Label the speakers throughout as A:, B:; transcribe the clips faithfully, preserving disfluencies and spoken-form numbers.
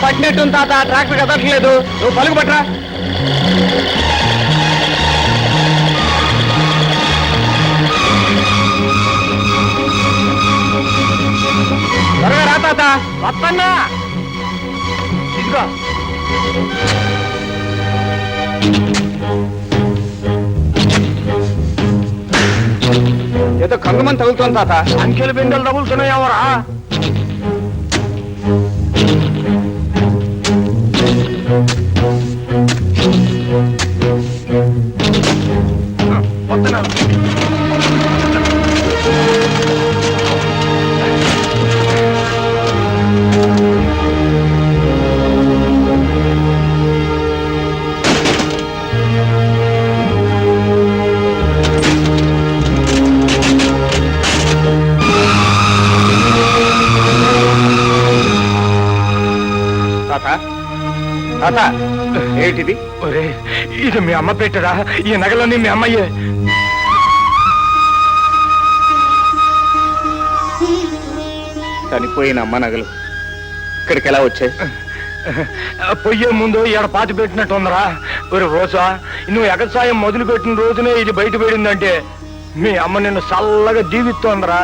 A: పట్టినట్టు తాత ట్రాక్టర్ కదట్లేదు, నువ్వు పలుకు పట్టరా. త్వరగా రా తాత. వస్తన్నా ఇదిగో. ఏదో కంగమని తగులుతోంది తాత. అంకెలు బిందెలు తగులుతున్నాయవరా? ఏంటిది? ఇది మీ అమ్మ పెట్టరా? ఈ నగలన్నీ మీ అమ్మయ్యే. చనిపోయిన అమ్మ నగలు ఇక్కడికి ఎలా వచ్చాయి? పొయ్యే ముందు ఈడ పాతి పెట్టినట్టు ఉందరా. ఒరే రోజా, నువ్వు ఎగసాయం మొదలు పెట్టిన రోజునే ఇది బయట పడిందంటే మీ అమ్మ నిన్ను చల్లగా జీవిస్తోందరా.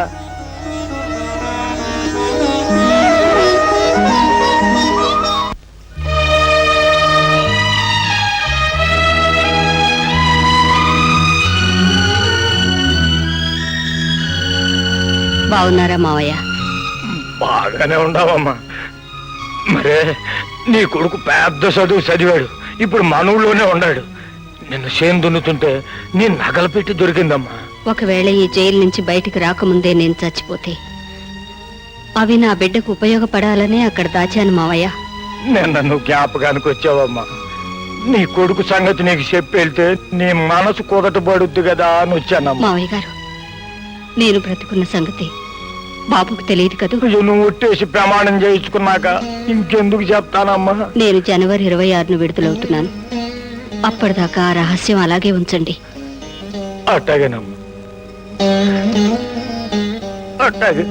B: బాగున్నారా మావయ్య?
A: బాగానే ఉండవమ్మా. మరే నీ కొడుకు పెద్ద చదువు చదివాడు, ఇప్పుడు మనవుల్లోనే ఉన్నాడు. నిన్ను చేను దున్నుతుంటే నీ నగలు పెట్టి దొరికిందమ్మా.
B: ఒకవేళ ఈ జైలు నుంచి బయటికి రాకముందే నేను చచ్చిపోతే అవి నా బిడ్డకు ఉపయోగపడాలనే అక్కడ దాచాను మావయ్య.
A: నేను నన్ను జ్ఞాపకానికి వచ్చావమ్మా. నీ కొడుకు సంగతి నీకు చెప్పి వెళ్తే నీ మనసు కుదటపడుద్ది కదా అని వచ్చానమ్మా.
B: మావయ్య గారు, నేను బ్రతుకున్న సంగతి బాబుకు తెలియదు కదూ.
A: నువ్వు ఒట్టేసి ప్రమాణం చేయించుకున్నాక ఇంకెందుకు చెప్తానమ్మా.
B: నేను జనవరి ఇరవై ఆరును విడుదలవుతున్నాను. అప్పటిదాకా ఆ రహస్యం అలాగే ఉంచండి.
A: అట్టాగేనమ్మా, అట్టాగే.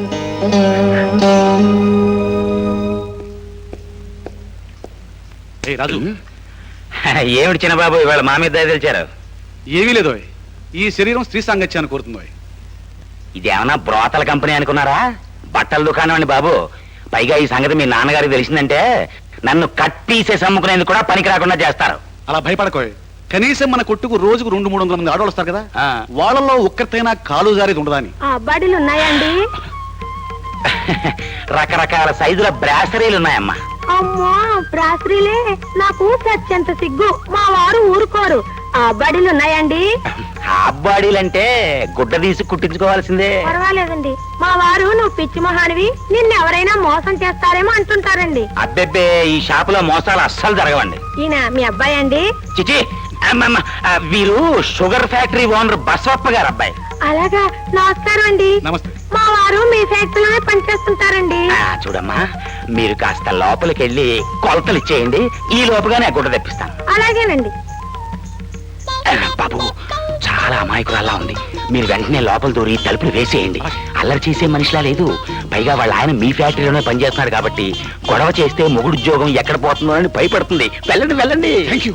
C: రాజు,
D: ఏమిటి చిన్నబాబు ఇవాళ మా మీద తెలిచారు?
C: ఏమీ లేదు. ఈ శరీరం స్త్రీ సాంగత్యాన్ని కోరుతుందో.
D: ఇదేమన్నా బ్రోతల కంపెనీ అనుకున్నారా? బట్టల దుకాణం అండి బాబు. పైగా ఈ సంగతి మీ నాన్నగారికి తెలిసిందంటే నన్ను కట్ పీసెస్ అమ్ముకునేందుకు కూడా పనికి రాకుండా చేస్తారు.
C: అలా భయపడకోయ్. కనీసం మన కొట్టుకు రోజుకు రెండు మూడు వందల మంది ఆడవాళ్ళు వస్తారు కదా, వాళ్ళలో ఒక్కరితైనా కాలు జారేది ఉండదా అని.
B: అబ్బాడీలు ఉన్నాయండి?
D: రకరకాల సైజుల బ్రాసరీలు ఉన్నాయమ్మా.
B: అమ్మా, బ్రాసరీలే? నాకు సత్యంత సిగ్గు. మా వారు ఊరుకోరు. అబ్బాడీలు ఉన్నాయండి?
D: అబ్బాడీలంటే గుడ్డ తీసి కుట్టించుకోవాల్సిందే.
B: పర్వాలేదండి. మా వారు నువ్వు పిచ్చి మహానివి, నిన్నెవరైనా మోసం చేస్తారేమో అంటుంటారండి.
D: అబ్బెబ్బే, ఈ షాపులో మోసాలు అస్సలు జరగవండి.
B: ఈయన మీ అబ్బాయి అండి?
D: చిచి, వీరు షుగర్ ఫ్యాక్టరీ ఓనర్ బసవప్ప గారు అబ్బాయి.
B: అలాగా, నమస్కారం అండి.
C: నమస్తే.
B: మా వారు మీ ఫ్యాక్టరీలోనే పనిచేస్తుంటారండి.
D: చూడమ్మా, మీరు కాస్త లోపలికి వెళ్ళి కొలతలు ఇచ్చేయండి, ఈ లోపుగానే గుడ్డ తెప్పిస్తాను.
B: అలాగేనండి.
D: బాబు, చాలా అమాయకురాల్లా ఉంది. మీరు వెంటనే లోపల దూరి తలుపులు వేసేయండి. అల్లరి చేసే మనిషిలా లేదు. పైగా వాళ్ళ ఆయన మీ ఫ్యాక్టరీలోనే పనిచేస్తున్నాడు కాబట్టి గొడవ చేస్తే మొగుడు ఉద్యోగం ఎక్కడ పోతుందో అని భయపడుతుంది. వెళ్ళండి వెళ్ళండి.
C: Thank you.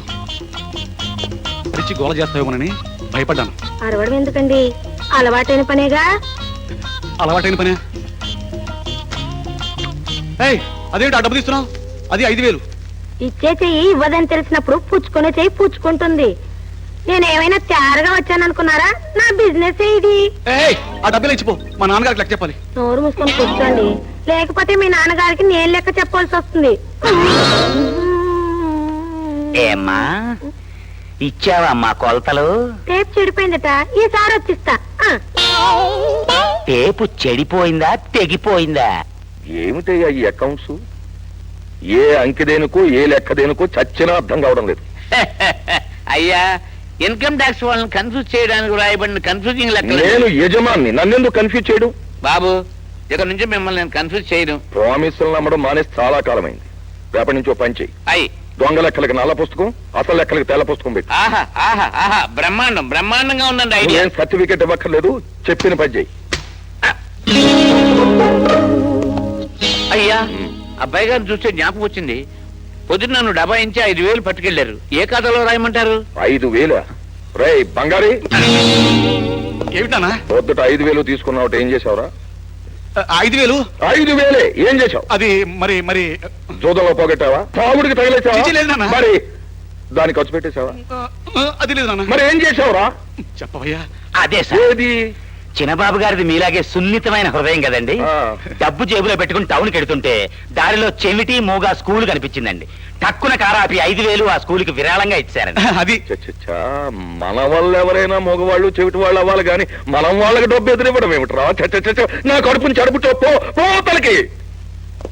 C: గోల చేస్తావేమోనని భయపడ్డాను.
B: అరవడం ఎందుకండి, అలవాటైన పనేగా.
C: అలవాటైన పనే. అదేంటి ఆ డబ్బు తీస్తున్నావు? అది ఐదు వేలు.
B: ఇచ్చే చెయ్యి ఇవ్వదని తెలిసినప్పుడు పుచ్చుకునే చెయ్యి పుచ్చుకుంటుంది. నేనేమైనా తయారుగా వచ్చాననుకున్నారా? నా బిజినెస్ ఇది.
C: ఆ డబ్బులు ఇచ్చిపో, మా నాన్నగారికి లెక్క చెప్పాలి.
B: నోరు మూసుకొని కూర్చోండి, లేకపోతే మీ నాన్నగారికి నేను లెక్క చెప్పాల్సి వస్తుంది.
D: ఏమ్మా, ఇచ్చావా మా కొలతలు?
B: టేప్ చెడిపోయిందట, ఈసారి వచ్చిస్తా.
D: టేపు చెడిపోయిందా తెగిపోయిందా?
E: ఏమిటయ్యా ఈ అకౌంట్స్? ఏ అంకెదేనుకో ఏ లెక్కదేనుకో చచ్చినా అర్థం కావడం లేదు.
D: అయ్యా, ఇన్కమ్ ట్యాక్స్ వాళ్ళని కన్ఫ్యూజ్ చేయడానికి రాయబడిన కన్ఫ్యూజింగ్ లెక్క.
E: నేను యజమాన్ని, నన్నెందుకు కన్ఫ్యూజ్ చేయడం?
D: బాబు, ఇక్కడ నుంచి మిమ్మల్ని నేను కన్ఫ్యూజ్ చేయడం.
E: ప్రామిసులు నమ్మడం మానేసి చాలా కాలమైంది. రేపటి నుంచి ఓ పని చెయ్యి.
D: అయ్యి,
E: దొంగ లెక్కలకి నల్ల పుస్తకం, అసలు లెక్కలకి తెల్ల పుస్తకం పెట్టి.
D: ఆహా ఆహా ఆహా, బ్రహ్మాండం బ్రహ్మాండంగా ఉందండి ఐడియా.
E: ఏం సర్టిఫికెట్ ఇవ్వక్కర్లేదు, చెప్పిన పని చెయ్యి.
D: అయ్యా,
F: అబ్బాయి గారిని చూస్తే జ్ఞాపకం వచ్చింది. పొద్దున్న నన్ను డబ్బా ఇంచి ఐదు వేలు పట్టుకెళ్లారు. ఏ ఖాతాలో రాయమంటారు?
E: ఐదు వేల రే బంగారి,
C: ఏమిటానా?
E: పొద్దుట ఐదు వేలు తీసుకున్నావు, ఏం చేసావురా?
C: ఐదు వేలు
E: ఐదు వేలే ఏం చేసావు?
C: అది మరి మరి
E: జూదంలో పోగొట్టావా? తాగుడికి
C: చిచి, లేదు
E: తగిలేసావా?
C: నాన్న.
E: మరి దాన్ని ఖర్చు పెట్టేశావా?
C: ఆ, అది లేదు నాన్న.
E: మరి ఏం చేసావురా?
C: చెప్పవయ్యా.
D: అదే సార్,
E: ఏది?
D: చిన్నబాబు గారిది మీలాగే సున్నితమైన హృదయం కదండి.
E: ఆ.
D: డబ్బు జేబులో పెట్టుకుని టౌన్కి వెడుతుంటే దారిలో చెవిటి మూగా స్కూల్ కనిపించిందండి. టక్కున కారాపి ఐదు వేలు ఆ స్కూల్కి విరాళంగా ఇచ్చారండి.
C: అది
E: చచ్చచ్చా, మన వాళ్ళు ఎవరైనా మగవాళ్ళు చెవిటి వాళ్ళు అవ్వాలి కానీ మనం వాళ్ళకి డబ్బు ఎదురివ్వడం ఏమిట్రా? చచ్చచ్చ, నా కడుపుని చడుపు పో పో తలకి.